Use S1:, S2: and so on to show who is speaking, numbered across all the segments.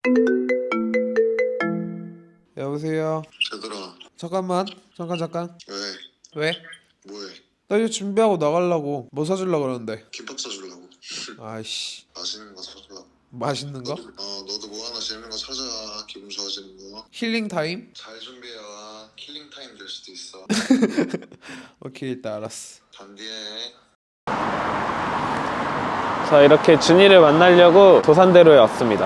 S1: 여보세요.
S2: 얘들아.
S1: 잠깐만. 잠깐.
S2: 왜?
S1: 왜?
S2: 뭐해?
S1: 나 이제 준비하고 나가려고. 뭐 사주려고 그러는데.
S2: 김밥 사주려고.
S1: 아이씨.
S2: 맛있는 거 사주려고.
S1: 맛있는 거?
S2: 너도 뭐 하나 재밌는 거 찾아. 기분 좋아지는 거.
S1: 힐링 타임?
S2: 잘 준비해와. 킬링 타임 될 수도 있어.
S1: 오케이, 일단 알았어.
S2: 단디해.
S3: 자, 이렇게 준이를 만나려고 도산대로에 왔습니다.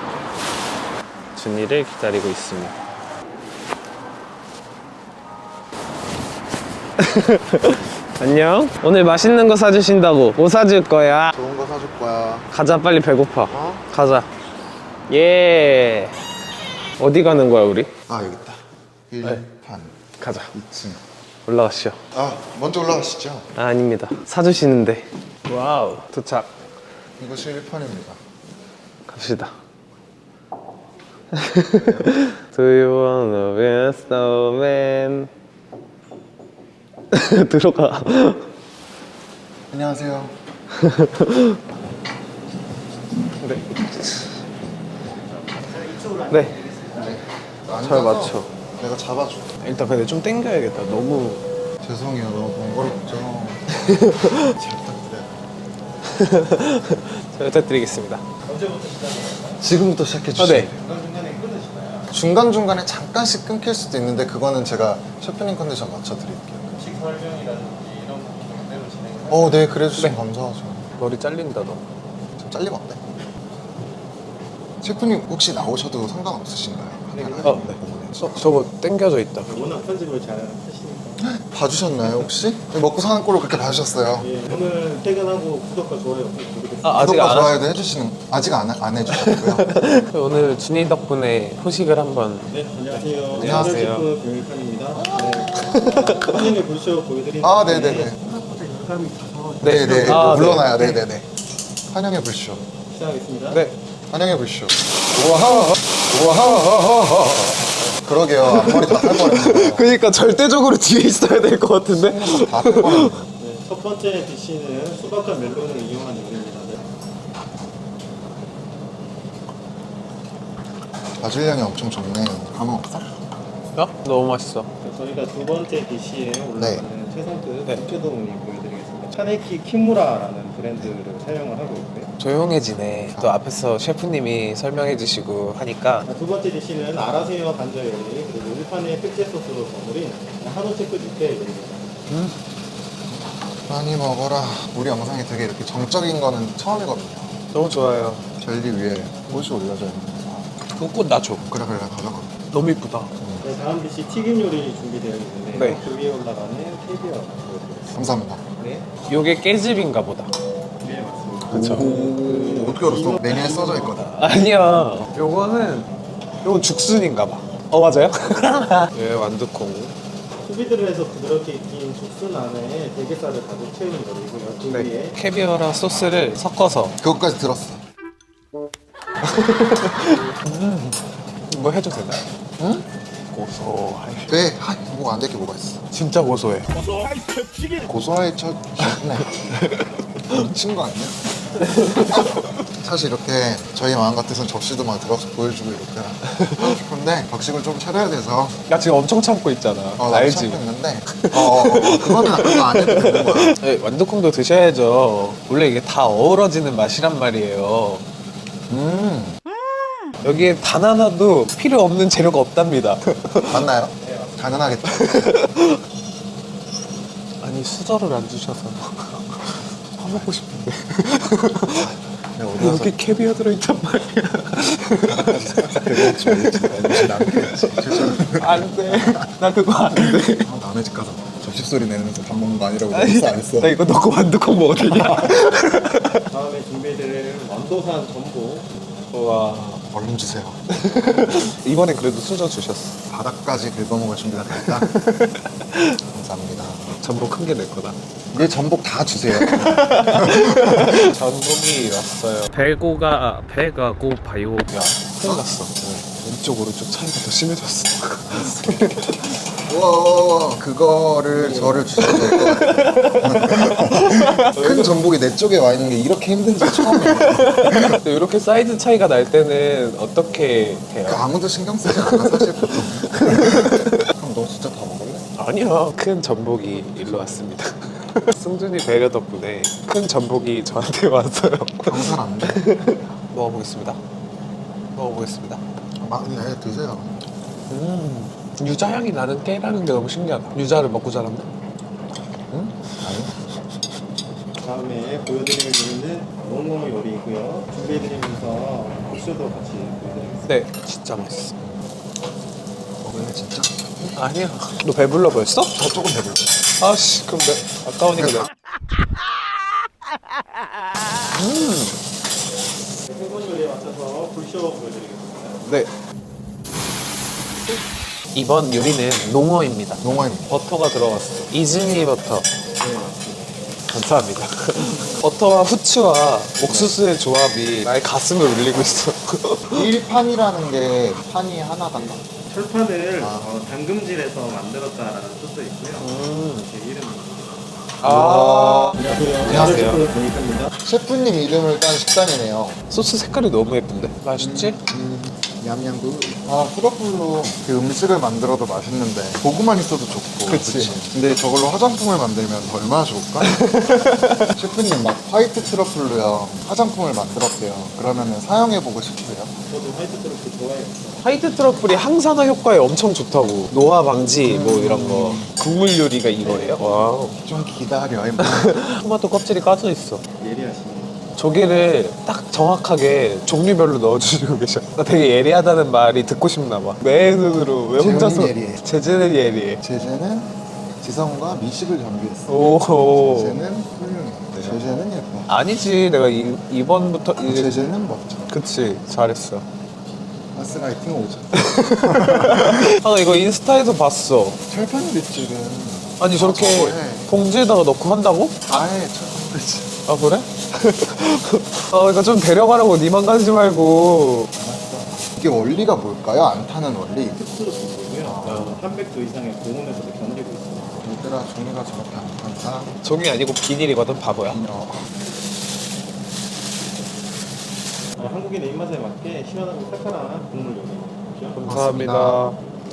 S3: 준이를 기다리고 있습니다. 안녕. 오늘 맛있는 거 사주신다고. 뭐 사줄 거야?
S2: 좋은 거 사줄 거야.
S3: 가자, 빨리 배고파.
S2: 어?
S3: 가자. 예. 어디 가는 거야, 우리?
S2: 아, 여기 있다. 1판
S3: 가자.
S2: 2층.
S3: 올라가시죠.
S2: 아, 먼저 올라가시죠.
S3: 아, 아닙니다. 사주시는데. 와우. 도착.
S2: 이것이 1판입니다.
S3: 갑시다. Do you wanna be a snowman? 들어가.
S2: 안녕하세요.
S3: 네. 네. 잘 맞춰.
S2: 내가 잡아줘.
S3: 일단 근데 좀 당겨야겠다. 너무.
S2: 죄송해요. 너무 번거롭죠. 잘 부탁드려요.
S3: 잘 부탁드리겠습니다.
S2: 지금부터 시작해 주시죠.
S3: 네.
S2: 중간중간에 잠깐씩 끊길 수도 있는데 그거는 제가 셰프님 컨디션 맞춰드릴게요. 음식 설명이라든지 이런 부분대로 진행을 네, 그래 주시면 감사하죠.
S3: 머리 잘린다 너.
S2: 좀 잘리면 어때? 셰프님 혹시 나오셔도 상관없으신가요?
S3: 네.
S2: 부분에.
S3: 저거 당겨져 있다.
S4: 워낙 편집을 잘 하시니까.
S2: 봐주셨나요 혹시? 먹고 사는 꼴을 그렇게 봐주셨어요.
S4: 예, 오늘 퇴근하고 구독과 좋아요 꼭 부르겠습니다.
S3: 아직
S2: 구독과
S3: 안
S2: 좋아요도 해주시는 아직 안 해주셨고요.
S3: 오늘 준이 덕분에 후식을 한번.
S4: 네, 안녕하세요.
S3: 안녕하세요.
S4: 셰프 병일판입니다. 네, 환영의 불쇼 보여드리는
S2: 아, 네네네.
S4: 생각보다 열감이 가서
S2: 네네.
S3: 아,
S2: 물러나요. 네네네. 환영의 불쇼.
S4: 시작하겠습니다.
S3: 네.
S2: 환영의 불쇼. 우와하. 우와하. 그러게요. 앞머리 다 탈 뻔했네요.
S3: 그러니까 절대적으로 뒤에 있어야 될 것 같은데.
S2: 다 탈 뻔했네요.
S4: 네, 첫 번째 디시는 수박과 멜론을 이용한 요리입니다. 네.
S2: 바질량이 엄청 좋네. 가만 없어?
S3: 너무 맛있어.
S4: 저희가 두 번째 디시에 올라가는 최상급
S3: 네.
S4: 육회동이 보여드리겠습니다. 차네키 키무라라는 브랜드를 사용을 하고 있고요.
S3: 조용해지네. 또 앞에서 셰프님이 설명해 주시고 하니까.
S4: 두 번째 디시는 아라새우와 간절 요리 그리고 일판의 특제 소스로 버무린 한우 체크 육회 요리입니다.
S2: 많이 먹어라. 우리 영상이 되게 이렇게 정적인 거는 처음이거든요.
S3: 너무 좋아요.
S2: 젤리 위에 꽃이 올려져 있는 거.
S3: 그꽃 나줘.
S2: 그래 가져가.
S3: 너무 이쁘다.
S4: 네, 다음 디시 튀김 요리 준비되어 있는데
S3: 네.
S4: 그 위에 올라가는 캐비어 보여드리겠습니다.
S2: 감사합니다.
S4: 네,
S3: 요게 깨집인가 보다.
S4: 네 맞습니다.
S3: 그쵸.
S2: 오, 어떻게 알았어? 메뉴에 써져 있거든.
S3: 아니야. 요건 죽순인가 봐. 맞아요? 예, 완두콩.
S4: 소비드를 해서 부드럽게 익힌 죽순 안에 대게살을 가득 채운 요리고요. 그
S3: 네.
S4: 위에
S3: 캐비어랑 소스를 섞어서.
S2: 그것까지 들었어.
S3: 뭐 해도 되나요?
S2: 응?
S3: 고소해.
S2: 네. 뭐 안 될 게 뭐가 있어?
S3: 진짜 고소해.
S2: 고소할 첫 미친 거 아니야? 사실 이렇게 저희 마음 같아서는 접시도 막 들어서 보여주고 이렇게 하고 싶은데 격식을 좀 차려야 돼서
S3: 나 지금 엄청 참고 있잖아.
S2: 나도
S3: 알지?
S2: 참고 있는데 그거는 그거 안 해도 되는 거야.
S3: 네, 완두콩도 드셔야죠. 원래 이게 다 어우러지는 맛이란 말이에요. 여기에 단 하나도 필요 없는 재료가 없답니다.
S2: 맞나요? 가능하겠다.
S3: 아니 수저를 안 주셔서 화먹고 싶은데.
S2: 내가 어디 가서
S3: 여기 캐비어 들어있단 말이야. 안 돼. 나 그거 안 돼.
S2: 남의 집 가서 접시 소리 내면서 밥 먹는 거 아니라고 했어 안 했어?
S3: 나 이거 넣고 완두콩 먹어도 되냐?
S4: 다음에 준비드릴 완도산 전복
S3: 와.
S2: 얼른 주세요.
S3: 이번엔 그래도 수저 주셨어.
S2: 바닥까지 긁어먹을 준비가 됐다. 감사합니다.
S3: 전복 큰 게 내 거다.
S2: 내 전복 다 주세요.
S3: 전복이 왔어요. 배가 고파요. 야, 큰일 났어. 왼쪽 오른쪽 차이가 더 심해졌어.
S2: 우와, 그거를 저를 주셔도 될 것 같아요. 큰 전복이 내 쪽에 와 있는 게 이렇게 힘든지 처음이에요.
S3: 근데 이렇게 사이즈 차이가 날 때는 어떻게 해요?
S2: 아무도 신경 쓰지 않아, 사실 보통. 그럼 너 진짜 다 먹을래?
S3: 아니요. 큰 전복이 일로 왔습니다. 승준이 배려 덕분에 큰 전복이 저한테 왔어요.
S2: 경살 안 돼.
S3: 먹어보겠습니다. 먹어보겠습니다.
S2: 막, 네, 드세요.
S3: 유자 향이 나는 깨라는 게 너무 신기하다. 유자를 먹고 자랐네.
S2: 응? 아니.
S4: 다음에 보여드릴 요리는 농어 요리이고요. 준비해드리면서 국수도 같이 보여드리겠습니다.
S3: 네, 진짜 맛있어.
S2: 먹을래, 진짜?
S3: 아니야. 너 배불러 보였어?
S2: 저 조금 배불러.
S3: 아씨, 그럼 아까우니까 내가.
S4: 일본 요리에 맞춰서 불쇼 보여드리겠습니다.
S3: 네. 이번 요리는 농어입니다.
S2: 농어입니다.
S3: 버터가 들어갔어. 이즈미 버터.
S4: 네, 맞습니다.
S3: 감사합니다. 버터와 후추와 옥수수의 조합이 나의 가슴을 울리고 있어.
S2: 1판이라는 게 판이 하나다.
S4: 철판을 담금질해서 만들었다라는 뜻도 있고요. 제 이름은
S3: 아,
S4: 안녕하세요. 보니까입니다.
S2: 셰프님 이름을 딴 식단이네요.
S3: 소스 색깔이 너무 예쁜데? 맛있지?
S2: 냠냠구. 아, 트러플로 그 음식을 만들어도 맛있는데 보고만 있어도 좋고.
S3: 그치.
S2: 근데 저걸로 화장품을 만들면 얼마나 좋을까? 셰프님 막 화이트 트러플로요 화장품을 만들었대요. 그러면 사용해보고 싶으세요?
S4: 저도 화이트 트러플 좋아해요.
S3: 화이트 트러플이 항산화 효과에 엄청 좋다고. 노화 방지 뭐 이런 거. 국물 요리가 이거예요? 와우.
S2: 좀 기다려. 임마.
S3: 토마토 껍질이 까져 있어.
S4: 예리하시네요.
S3: 조개를 딱 정확하게 종류별로 넣어주시고 계셔. 나 되게 예리하다는 말이 듣고 싶나 봐. 내 눈으로 왜 혼자서.
S2: 재훈이 예리해.
S3: 제재는 예리해.
S2: 제재는 지성과 미식을 겸비했어.
S3: 오.
S2: 제재는 훌륭해. 제재는 예뻐.
S3: 아니지. 내가 이번부터 이제.
S2: 제재는 멋져.
S3: 그치. 잘했어.
S2: 가스라이팅 오죠.
S3: 아, 나 이거 인스타에서 봤어.
S2: 철판 빗질은
S3: 아니, 저렇게
S2: 저거 해.
S3: 봉지에다가 넣고 한다고?
S2: 아예 철판 빗질.
S3: 아, 그래? 아, 그러니까 좀 데려가라고. 니만 가지 말고.
S2: 이게 원리가 뭘까요? 안 타는 원리?
S4: 습수로 보고요. 300도 이상의 고온에서도 견디고 있어요.
S2: 얘들아 종이가 저렇게 안 탄다.
S3: 종이 아니고 비닐이거든, 바보야.
S4: 한국인의 입맛에 맞게 시원하고 칼칼한 국물 요리.
S3: 감사합니다.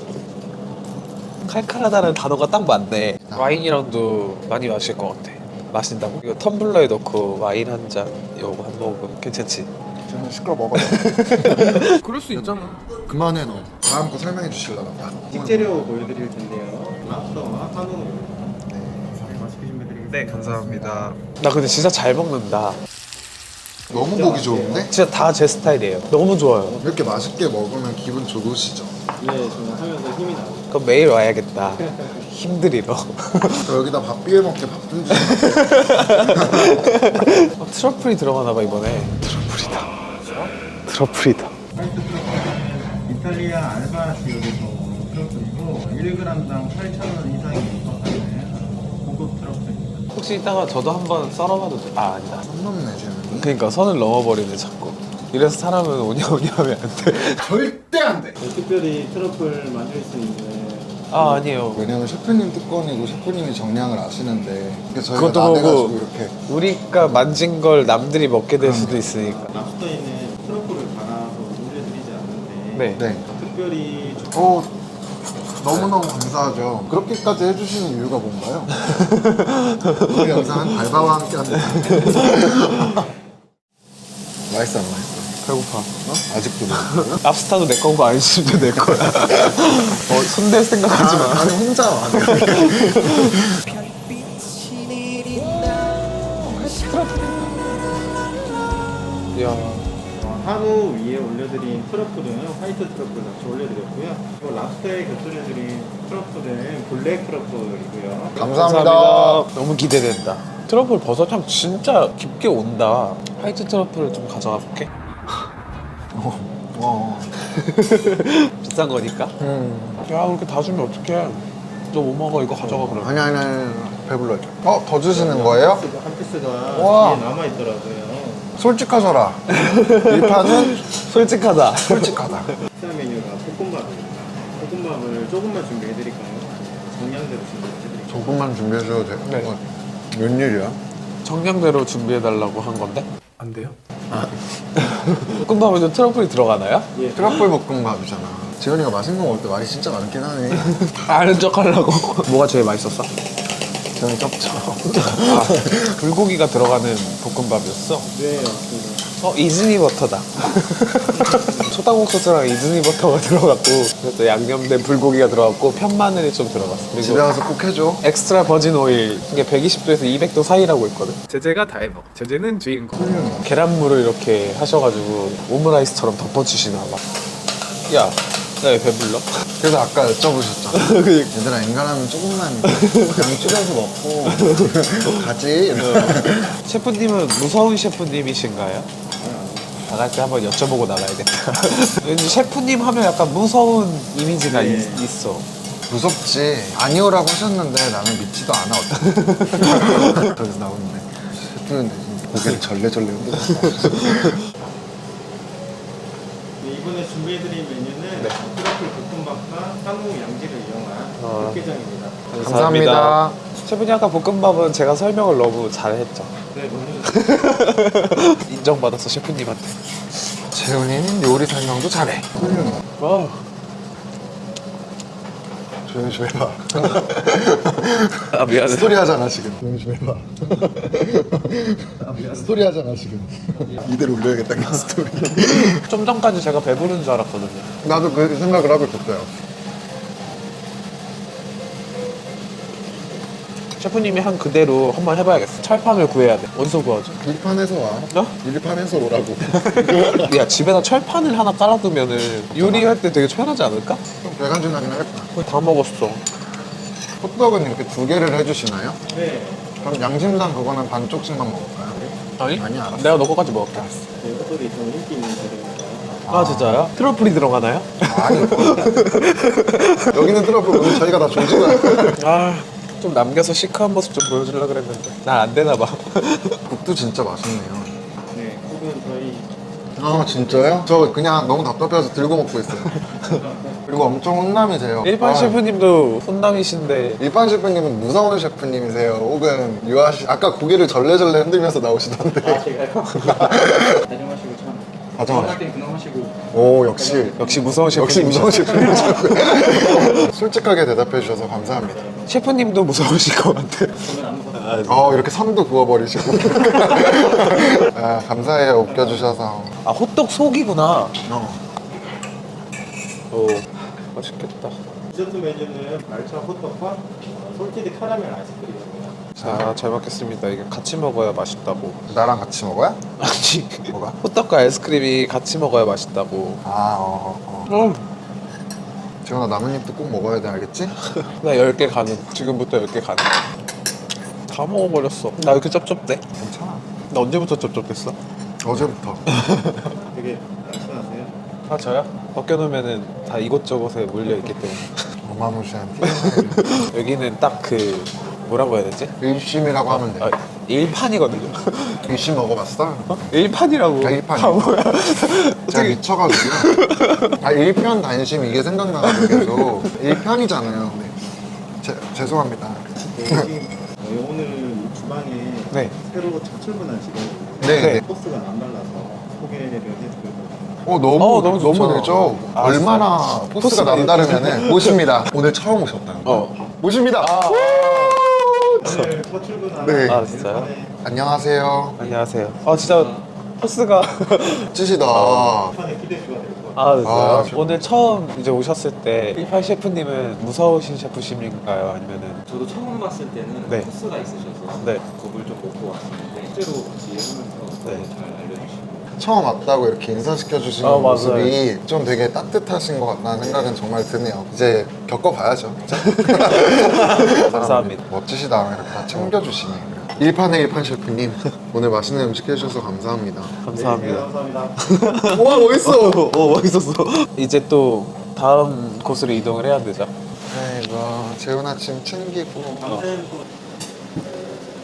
S3: 칼칼하다는 단어가 딱 맞네. 와인이랑도 많이 마실 것 같아. 마신다고? 이거 텀블러에 넣고 와인 한 잔, 요거 한 모금 괜찮지?
S2: 저는 시끄러 먹어요.
S3: 그럴 수 있잖아.
S2: 그만해 너. 다음 거 설명해 주실라나 봐.
S4: 식재료 보여드릴 텐데요. 랍스터와 한우 네, 맛있게 준비해드리겠습니다.
S3: 네, 감사합니다. 나 근데 진짜 잘 먹는다.
S2: 너무 보기 좋은데?
S3: 진짜 다 제 스타일이에요. 너무 좋아요.
S2: 이렇게 맛있게 먹으면 기분 좋으시죠?
S4: 네, 저는 하면서 힘이 나고.
S3: 그럼 매일 와야겠다. 힘들이러.
S2: 저 여기다 밥 비벼 먹게 밥 좀 주세요.
S3: 트러플이 들어가나 봐 이번에. 트러플이다. 트러플이다.
S4: 이탈리아 알바시오에서 온 트러플이고 1g당 8,000원 이상이 하는 고급 트러플입니다.
S3: 혹시 이따가 저도 한번 썰어봐도 돼? 아, 아니다.
S2: 선 넘네 쟤는.
S3: 그러니까 선을 넘어버리네 자꾸. 이래서 사람은 오냐오냐 하면 안 돼.
S2: 절대 안 돼.
S4: 특별히 트러플 만들 수 있는
S3: 아, 아니에요.
S2: 왜냐면 셰프님 특권이고 셰프님이 정량을 아시는데 그래서 저희가
S3: 그것도
S2: 나대가지고
S3: 보고
S2: 이렇게
S3: 우리가 만진 걸 남들이 먹게 될 수도 있으니까.
S4: 랍스터에는 트러플을 갈아서 올려드리지 않는데
S3: 네.
S2: 네.
S4: 특별히
S2: 너무너무 감사하죠. 그렇게까지 해주시는 이유가 뭔가요? 우리 영상은 발바와 함께 합니다. 맛있어 안 맛있어?
S3: 배고파.
S2: 아직도 맛있어요?
S3: 랍스타도 내 거고 안심도 내 거야. 손댈 생각하지 마.
S2: 아니 혼자 와.
S3: 이야.
S4: 한우 위에 올려드린 트러플은 화이트 트러플 같이 올려드렸고요. 그리고 랍스터에 곁들여드린 트러플은 블랙 트러플이고요.
S2: 감사합니다.
S3: 너무 기대된다. 트러플 버섯향 진짜 깊게 온다. 화이트 트러플을 좀 가져가 볼게. 비싼 거니까. 야, 그렇게 다 주면 어떡해. 너 뭐 먹어? 이거 가져가 그럼.
S2: 아니 배불러져. 더 주시는 거예요?
S4: 한 피스가
S2: 와.
S4: 뒤에 남아있더라고요.
S2: 솔직하셔라. 이 판은
S3: 솔직하다.
S2: 솔직하다.
S4: 식사 메뉴가 볶음밥입니다. 볶음밥을 조금만 준비해드릴까요? 동량대로 준비해드릴게요.
S2: 조금만 준비해 줘도 돼?
S3: 네.
S2: 웬일이야?
S3: 정량대로 준비해달라고 한 건데? 안 돼요? 볶음밥에도 트러플이 들어가나요?
S4: 예.
S2: 트러플 볶음밥이잖아. 지현이가 맛있는 거 먹을 때 말이 진짜 많긴 하네.
S3: 아는 척 하려고. 뭐가 제일 맛있었어?
S2: 지현이 쩝쩝.
S3: 불고기가 들어가는 볶음밥이었어?
S4: 네, 맞습니다.
S3: 이즈니 버터다. 초당국소스랑 이즈니 버터가 들어갔고, 또 양념된 불고기가 들어갔고, 편마늘이 좀 들어갔어.
S2: 집에
S3: 그리고
S2: 가서 꼭 해줘.
S3: 엑스트라 버진 오일, 이게 120도에서 200도 사이라고 있거든. 제재가 다 해먹어. 제재는 주인공. 계란물을 이렇게 하셔가지고 오므라이스처럼 덮어주시나 봐. 야, 나 왜 배불러?
S2: 그래서 아까 여쭤보셨잖아. 얘들아 인간하면 조금만 양 줄여서 먹고 가지.
S3: 셰프님은 무서운 셰프님이신가요? 나갈 때 한번 여쭤보고 나가야겠다. 왠지 셰프님 하면 약간 무서운 이미지가
S4: 네.
S3: 있어.
S2: 무섭지. 아니오라고 하셨는데 나는 믿지도 않아. 어떡해. 그래서 나오는데 셰프는 고개를 절레절레 흔들었어.
S4: 네, 이번에 준비해드린 메뉴는 트러플 볶음밥과 한우 양지를 이용한 육개장입니다.
S2: 감사합니다.
S3: 셰프님 아까 볶음밥은 제가 설명을 너무 잘했죠.
S4: 네, 너무
S3: 인정받았어 셰프님한테.
S2: 재훈이는 요리 설명도 잘해.
S3: 와.
S2: 조용히 좀 해봐.
S3: 아 미안해.
S2: 스토리 하잖아 지금. 조용히 좀 해봐. 스토리 하잖아 지금. 이대로 올려야겠다 그 스토리.
S3: 좀 전까지 제가 배부른 줄 알았거든요.
S2: 나도 그 생각을 하고 있었어요.
S3: 셰프님이 한 그대로 한번 해봐야겠어. 철판을 구해야 돼. 어디서 구하죠?
S2: 일판에서 와.
S3: 어?
S2: 일판에서 오라고.
S3: 야 집에다 철판을 하나 깔아두면은 요리할 때 되게 편하지 않을까?
S2: 좀 배간질나긴 하겠다.
S3: 거의 다 먹었어.
S2: 호떡은 이렇게 두 개를 해주시나요?
S4: 네,
S2: 그럼 양심상 그거는 반쪽씩만 먹을까요?
S3: 아니?
S2: 아니, 알았어.
S3: 내가 너 거까지 먹을게.
S4: 저희 호떡이 좀 인기 있는 재료입니다.
S3: 아 진짜요? 트러플이 들어가나요?
S2: 아니 여기는 트러플 오늘 저희가 다 조지가.
S3: 아 좀 남겨서 시크한 모습 좀 보여주려고 그랬는데 난 안 되나 봐.
S2: 국도 진짜 맛있네요.
S4: 네, 혹은 저희
S2: 아 진짜요? 저 그냥 너무 답답해서 들고 먹고 있어요. 그리고 엄청 혼남이세요.
S3: 일반
S2: 아,
S3: 셰프님도 혼남이신데
S2: 일반 셰프님은 무서운 셰프님이세요. 혹은 유아씨 아까 고개를 절레절레 흔들면서 나오시던데.
S4: 제가요. 다정하시고 참.
S2: 다정하시고.
S4: 할땐 근엄하시고.
S2: 오 역시
S3: 역시 무서운 셰프님.
S2: 역시 무서운 셰프님. 솔직하게 대답해 주셔서 감사합니다.
S3: 셰프님도 무서우실 것 같아.
S4: 저는 안 무섭습니다.
S2: 이렇게 선도 그어버리시고. 아, 감사해요 웃겨주셔서.
S3: 아 호떡 속이구나.
S2: 어.
S3: 오 맛있겠다.
S4: 디저트 메뉴는 말차 호떡과 솔티드 카라멜 아이스크림입니다.
S3: 자 잘 먹겠습니다. 이게 같이 먹어야 맛있다고.
S2: 나랑 같이 먹어요?
S3: 아니
S2: 뭐가?
S3: 호떡과 아이스크림이 같이 먹어야 맛있다고.
S2: 재훈아 나뭇잎도 꼭 먹어야 돼 알겠지?
S3: 나 10개 가능. 지금부터 10개 가능. 다 먹어버렸어. 나 왜 이렇게 쩝쩝대?
S2: 괜찮아.
S3: 나 언제부터 쩝쩝댔어?
S2: 어제부터.
S4: 되게 날씬하세요.
S3: 아 저요? 벗겨놓으면은 다 이곳저곳에 몰려있기 때문에.
S2: 어마무시한 티.
S3: 여기는 딱 그 뭐라고 해야 되지?
S2: 일심이라고 하면 돼.
S3: 아, 일판이거든요.
S2: 일심 먹어봤어?
S3: 일판이라고.
S2: 아, 일판이요?
S3: 바보야.
S2: 제가
S3: 어떻게
S2: 미쳐가지고. 아 일편 단심 이게 생각나가지고 계속. 일편이잖아요. 네. 죄송합니다.
S4: 네, 지금 오늘 주방에
S3: 네.
S4: 새로 첫 출근한 직원인데
S2: 네. 네.
S4: 포스가 남달라서 소개를 해드리거든요.
S3: 너무 좋죠.
S2: 너무 되죠.
S3: 아,
S2: 얼마나 포스가
S3: 포스가
S2: 남다르면은 모십니다. 오늘 처음 오셨다는 거. 모십니다.
S4: 오늘 첫 출근한
S2: 네.
S3: 아, 진짜요?
S4: 일판의
S3: 아,
S2: 안녕하세요.
S3: 안녕하세요. 아 진짜 포스가.
S2: 찌시다.
S4: 일판의 기대주가 될 것 같아요.
S3: 아, 진짜요?
S2: 아, 저-
S3: 오늘 처음 이제 오셨을 때 18 셰프님은 무서우신 셰프님인가요? 아니면은
S5: 저도 처음 봤을 때는
S3: 네.
S5: 코스가 있으셔서
S3: 네.
S5: 겁을 좀 먹고 왔었는데 실제로 같이 일하면서
S3: 네.
S5: 잘 알려주시고
S2: 처음 왔다고 이렇게 인사시켜 주시는
S3: 맞아요.
S2: 모습이 좀 되게 따뜻하신 것 같다는 생각은 정말 드네요. 이제 겪어봐야죠. 그쵸?
S3: 감사합니다.
S2: 멋지시다. 이렇게 다 챙겨주시네. 일판의 일판 셰프님 오늘 맛있는 음식 해주셔서 감사합니다.
S4: 네,
S3: 감사합니다.
S4: 감사합니다.
S2: 와 멋있어.
S3: 멋있었어. 이제 또 다음 곳으로 이동을 해야 되죠.
S2: 아이고 재훈 아침 챙기고
S4: 아무튼 또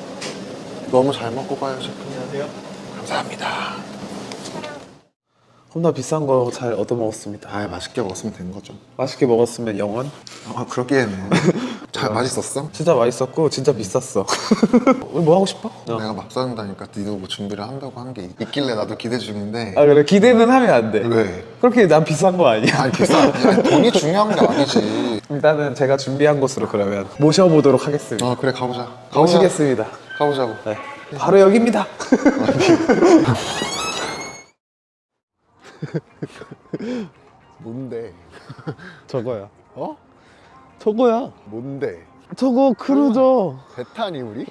S2: 너무 잘 먹고 가요 셰프님.
S4: 안녕하세요.
S2: 감사합니다.
S3: 겁나 비싼 거 잘 얻어먹었습니다.
S2: 아, 맛있게 먹었으면 된 거죠.
S3: 맛있게 먹었으면 영원?
S2: 아, 그러기에는 잘 맛있었어?
S3: 진짜 맛있었고 진짜 비쌌어. 우리 뭐 하고 싶어?
S2: 내가 막 싸는다니까 니도 뭐 준비를 한다고 한 게 있길래 나도 기대 중인데.
S3: 아 그래 기대는 하면 안 돼.
S2: 왜?
S3: 그렇게 난 비싼 거 아니야.
S2: 아니 아니, 돈이 중요한 게 아니지.
S3: 일단은 제가 준비한 곳으로 그러면 모셔보도록 하겠습니다.
S2: 아 그래 가보자.
S3: 모시겠습니다.
S2: 가보자고.
S3: 네. 바로 여기입니다.
S2: 뭔데?
S3: 저거야.
S2: 어?
S3: 저거야.
S2: 뭔데?
S3: 저거 크루저.
S2: 배 타니 우리?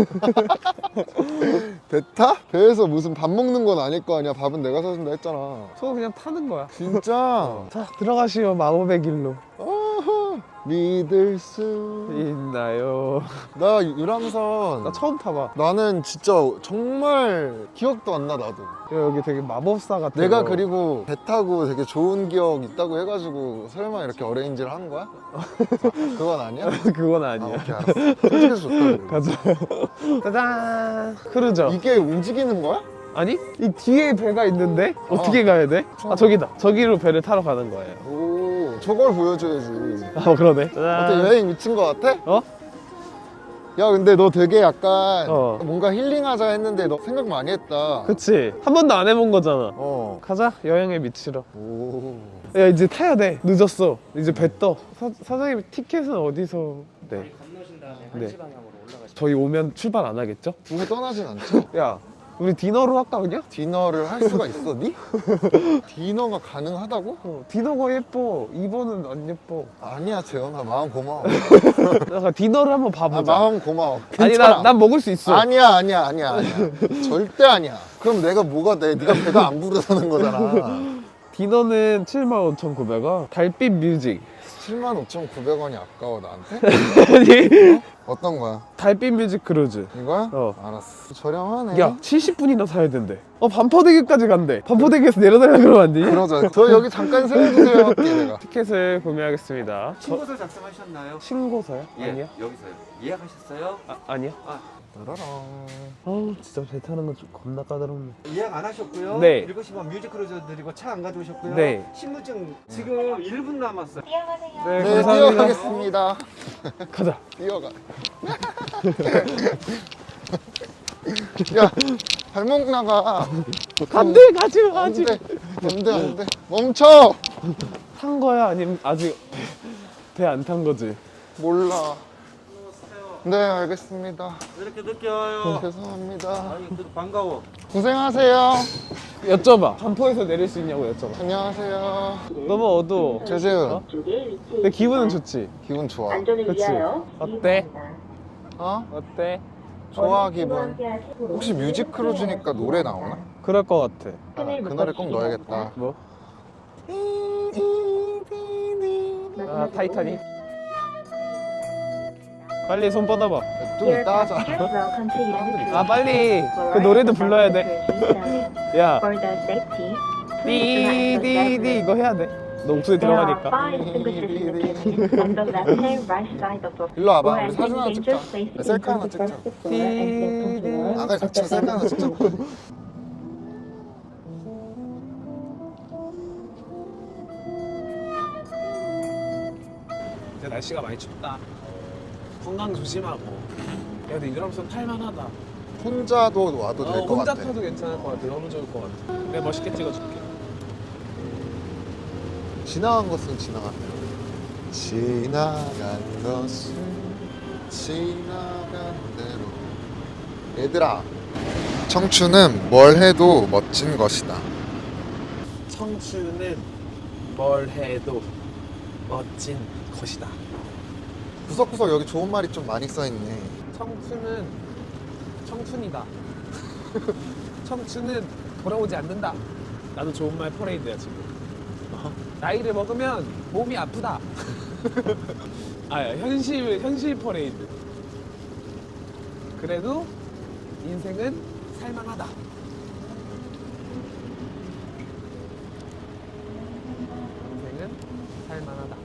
S2: 배 타? 배에서 무슨 밥 먹는 건 아닐 거 아니야. 밥은 내가 사준다 했잖아.
S3: 저거 그냥 타는 거야.
S2: 진짜?
S3: 자 들어가시오 마법의 길로.
S2: 어허, 믿을 수.
S3: 있나요?
S2: 나 유람선.
S3: 나 처음 타봐.
S2: 나는 진짜 정말 기억도 안 나 나도.
S3: 여기 되게 마법사 같아.
S2: 내가 그리고 배 타고 되게 좋은 기억 있다고 해가지고 설마 이렇게 어레인지를 한 거야? 아, 그건 아니야?
S3: 그건
S2: 아,
S3: 아니야.
S2: 오케이 알았어. 솔직해서 좋다고.
S3: 가자. 짜잔. 크루저.
S2: 이게 움직이는 거야?
S3: 아니? 이 뒤에 배가 있는데 어떻게 가야 돼? 아 저기다. 저기로 배를 타러 가는 거예요.
S2: 오, 저걸 보여줘야지.
S3: 아 그러네.
S2: 어때
S3: 짜잔.
S2: 여행 미친 거 같아?
S3: 어?
S2: 야 근데 너 되게 약간
S3: 어.
S2: 뭔가 힐링하자 했는데 너 생각 많이 했다.
S3: 그치. 한 번도 안 해본 거잖아.
S2: 어.
S3: 가자. 여행에 미치러.
S2: 오.
S3: 야 이제 타야 돼. 늦었어. 이제 배 떠. 사장님 티켓은 어디서? 네.
S5: 건너신 다음에
S3: 네.
S5: 한시 방향으로 올라가시면
S3: 저희 오면 출발 안 하겠죠?
S2: 두고 떠나진 않죠?
S3: 야 우리 디너로 할까 그냥?
S2: 디너를 할 수가 있어 니? 디너가 가능하다고?
S3: 디너가 예뻐. 2번은 안 예뻐.
S2: 아니야 재현아 마음 고마워.
S3: 약간 디너를 한번
S2: 아,
S3: 봐보자.
S2: 마음 고마워.
S3: 아니
S2: 괜찮아.
S3: 난 먹을 수 있어.
S2: 아니야. 절대 아니야. 그럼 내가 뭐가 돼? 네가 배가 안 부르다는 거잖아.
S3: 디너는 75,900원. 달빛 뮤직.
S2: 75,900원이 아까워 나한테?
S3: 아니
S2: 어떤 거야?
S3: 달빛 뮤직 크루즈.
S2: 이거야?
S3: 어.
S2: 알았어. 저렴하네.
S3: 야 70분이나 사야 된대. 반포대교까지 간대. 반포대교에서 내려달라 그러면 안 되니?
S2: 그러자. 저 여기 잠깐 세워주세요 할게 내가.
S3: 티켓을 구매하겠습니다.
S5: 신고서 작성하셨나요?
S3: 신고서요?
S5: 예,
S3: 아니요?
S5: 여기서요. 예약하셨어요?
S3: 아니요?
S2: 따라랑.
S3: 아우 진짜 배 타는 거 좀 겁나 까다롭네.
S5: 예약 안 하셨고요.
S3: 네.
S5: 7시 반 뮤직크루저 드리고 차 안 가져오셨고요.
S3: 네.
S5: 신분증 지금 1분 남았어요.
S3: 네,
S2: 네,
S3: 감사합니다.
S2: 뛰어가겠습니다.
S3: 가자.
S2: 뛰어가. 야, 발목 나가.
S3: 안돼 가지마
S2: 안
S3: 가지.
S2: 돼. 안 돼, 안 돼. 멈춰!
S3: 탄 거야 아니면 아직 배 안 탄 거지?
S2: 몰라. 네, 알겠습니다.
S5: 왜 이렇게 늦게 와요?
S2: 죄송합니다.
S5: 아니, 그래도 반가워.
S2: 고생하세요.
S3: 여쭤봐. 반포에서 내릴 수 있냐고 여쭤봐.
S2: 안녕하세요.
S3: 너무 어두워.
S2: 최재훈,
S3: 근데 기분은 좋지.
S2: 기분 좋아.
S3: 그치? 어때?
S2: 어?
S3: 어때?
S2: 좋아, 기분. 혹시 뮤직크루즈니까 노래 나오나?
S3: 그럴 것 같아.
S2: 아, 그 노래 꼭 넣어야겠다.
S3: 뭐? 아 타이타닉. 빨리 손 뻗어봐.
S2: 좀 이따 하자.
S3: 아 빨리. 그 노래도 불러야 돼. 야. 띠디디 이거 해야 돼. 너 목소리 들어가니까.
S2: 일로 와봐. 우리 사진 하나 찍자. 셀카 하나 찍자. 아까 같이 셀카 하나 찍자.
S3: 이제 날씨가 많이 춥다. 건강 조심하고. 야 근데 유람선 탈만하다.
S2: 혼자도 와도 될 것
S3: 혼자
S2: 같아.
S3: 타도 괜찮을 것 같아. 너무 좋을 것 같아. 내가 멋있게 찍어줄게.
S2: 지나간 것은 지나갔네요. 지나간 것은 지나간 대로. 얘들아, 청춘은 뭘 해도 멋진 것이다.
S3: 청춘은 뭘 해도 멋진 것이다.
S2: 구석구석 여기 좋은 말이 좀 많이 써있네.
S3: 청춘은 청춘이다. 청춘은 돌아오지 않는다. 나도 좋은 말 퍼레이드야 지금. 나이를 먹으면 몸이 아프다. 아 현실 퍼레이드. 그래도 인생은 살만하다. 인생은 살만하다.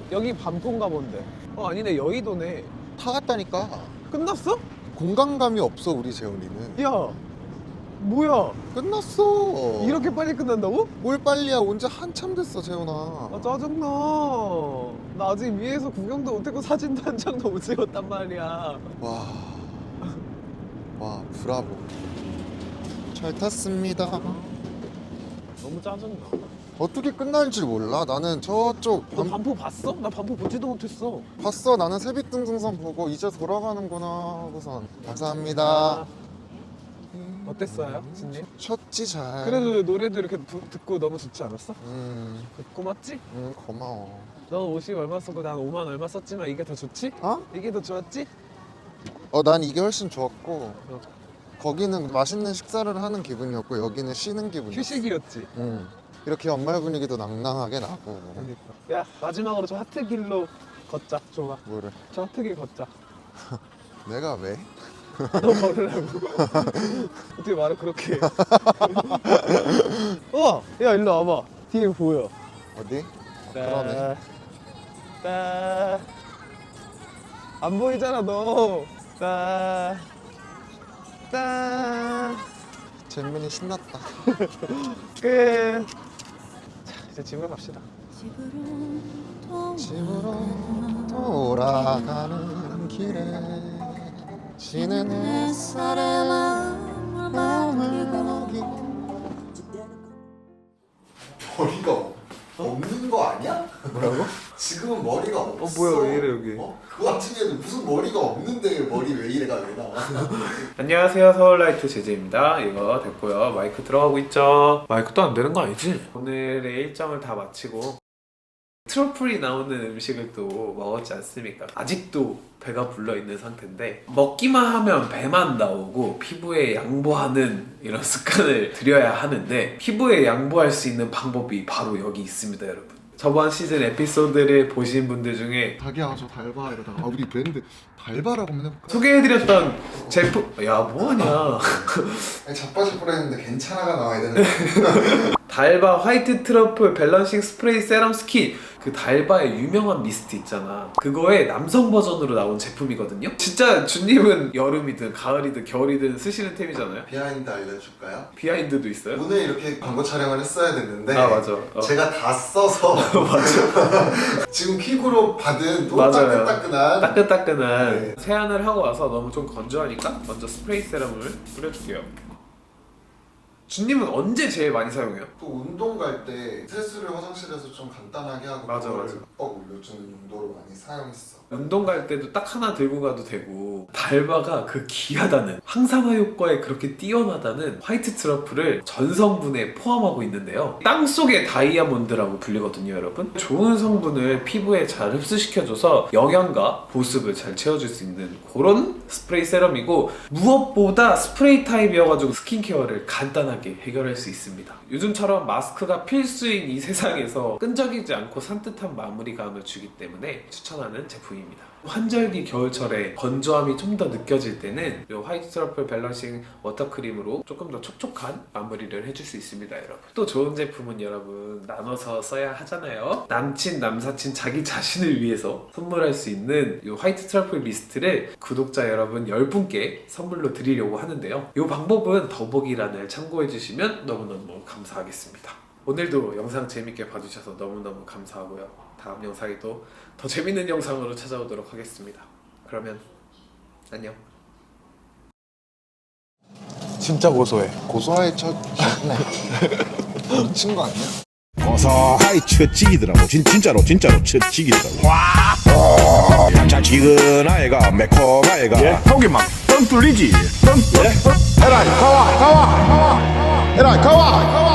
S3: 여기 반포인가 본데. 아니네, 여의도네.
S2: 다 갔다니까.
S3: 끝났어?
S2: 공간감이 없어 우리 재훈이는.
S3: 야, 뭐야?
S2: 끝났어.
S3: 이렇게 빨리 끝난다고?
S2: 뭘 빨리야. 온지 한참 됐어 재훈아.
S3: 아, 짜증나. 나 아직 위에서 구경도 못했고 사진도 한 장도 못 찍었단 말이야.
S2: 와 브라보. 잘 탔습니다.
S3: 너무 짜증나.
S2: 어떻게 끝날 줄 몰라. 나는 저쪽
S3: 너 반포 봤어? 나 반포 보지도 못했어.
S2: 봤어. 나는 세빛등등선 보고 이제 돌아가는구나 하고선. 감사합니다.
S3: 어땠어요, 진님?
S2: 쳤지 잘.
S3: 그래도 노래도 이렇게 듣고 너무 좋지 않았어? 고맙지?
S2: 고마워.
S3: 너 50 얼마 썼고 난 5만 얼마 썼지만 이게 더 좋지?
S2: 어?
S3: 이게 더 좋았지?
S2: 난 이게 훨씬 좋았고 거기는 맛있는 식사를 하는 기분이었고 여기는 쉬는 기분이었어.
S3: 휴식이었지.
S2: 이렇게 연말 분위기도 낭낭하게 나고.
S3: 야, 마지막으로 저 하트길로 걷자. 좋아.
S2: 뭐를?
S3: 저 하트길 걷자.
S2: 내가 왜?
S3: 너 걸으라고. 어떻게 말을 그렇게 해. 야, 일로 와봐. 뒤에 보여.
S2: 어디? 그러네.
S3: 안 보이잖아, 너.
S2: 잼민이 신났다.
S3: 끝. 자, 이제 집으로 갑시다.
S2: 집으로 돌아가는 길에 지는 햇살에 마음을 먹이고. 머리가 없는 거 아니야?
S3: 뭐라고?
S2: 지금은 머리가 없어.
S3: 뭐야, 왜 이래, 여기?
S2: 그 와중에는 무슨 머리가 없는데 머리 왜 이래가 왜 나와?
S3: 안녕하세요, 서울라이트 제재입니다. 이거 됐고요. 마이크 들어가고 있죠. 마이크도 안 되는 거 아니지? 오늘의 일정을 다 마치고 트러플이 나오는 음식을 또 먹었지 않습니까? 아직도 배가 불러있는 상태인데 먹기만 하면 배만 나오고 피부에 양보하는 이런 습관을 들여야 하는데 피부에 양보할 수 있는 방법이 바로 여기 있습니다, 여러분. 저번 시즌 에피소드를 보신 분들 중에
S2: 자기야 저 달바 이러다가 우리 브랜드 달바라고 한번 해볼까?
S3: 소개해드렸던 제품 야 뭐하냐
S2: 자빠질 뻔했는데 괜찮아가 나와야 되는데.
S3: 달바 화이트 트러플 밸런싱 스프레이 세럼 스킨. 그 달바의 유명한 미스트 있잖아. 그거의 남성 버전으로 나온 제품이거든요. 진짜 준님은 여름이든 가을이든 겨울이든 쓰시는 템이잖아요.
S2: 비하인드 알려줄까요?
S3: 비하인드도 있어요?
S2: 오늘 이렇게 광고 촬영을 했어야 됐는데
S3: 아 맞아.
S2: 제가 다 써서 지금 퀵으로 받은 또
S3: 맞아요.
S2: 따끈따끈한
S3: 따끈따끈한
S2: 네.
S3: 세안을 하고 와서 너무 좀 건조하니까 먼저 스프레이 세럼을 뿌려줄게요. 준님은 언제 제일 많이 사용해요?
S2: 또 운동 갈 때 세수를 화장실에서 좀 간단하게 하고
S3: 맞아,
S2: 그걸
S3: 맞아.
S2: 뻑 올려주는 용도로 많이 사용했어.
S3: 운동 갈 때도 딱 하나 들고 가도 되고 달바가 그 귀하다는 항산화 효과에 그렇게 뛰어나다는 화이트 트러플을 전 성분에 포함하고 있는데요. 땅속의 다이아몬드라고 불리거든요, 여러분. 좋은 성분을 피부에 잘 흡수시켜줘서 영양과 보습을 잘 채워줄 수 있는 그런 스프레이 세럼이고 무엇보다 스프레이 타입이어가지고 스킨케어를 간단하게 해결할 수 있습니다. 요즘처럼 마스크가 필수인 이 세상에서 끈적이지 않고 산뜻한 마무리감을 주기 때문에 추천하는 제품입니다. 환절기 겨울철에 건조함이 좀 더 느껴질 때는 이 화이트 트러플 밸런싱 워터크림으로 조금 더 촉촉한 마무리를 해줄 수 있습니다, 여러분. 또 좋은 제품은 여러분 나눠서 써야 하잖아요. 남친, 남사친, 자기 자신을 위해서 선물할 수 있는 이 화이트 트러플 미스트를 구독자 여러분 10분께 선물로 드리려고 하는데요. 이 방법은 더보기란을 참고해주시면 너무너무 감사하겠습니다. 오늘도 영상 재밌게 봐주셔서 너무너무 감사하고요. 다음 영상에도 더 재밌는 영상으로 찾아오도록 하겠습니다. 그러면 안녕. 진짜 고소해.
S2: 고소할 첫 미친 거 아니야?
S6: 고소하이 처지기더라고 진짜로 처지기더라고 와 짭짤지근하애가 매콤하애가
S7: 속이 막 뻥 뚫리지. 뻥. 에라이 가와. 에라이 가와.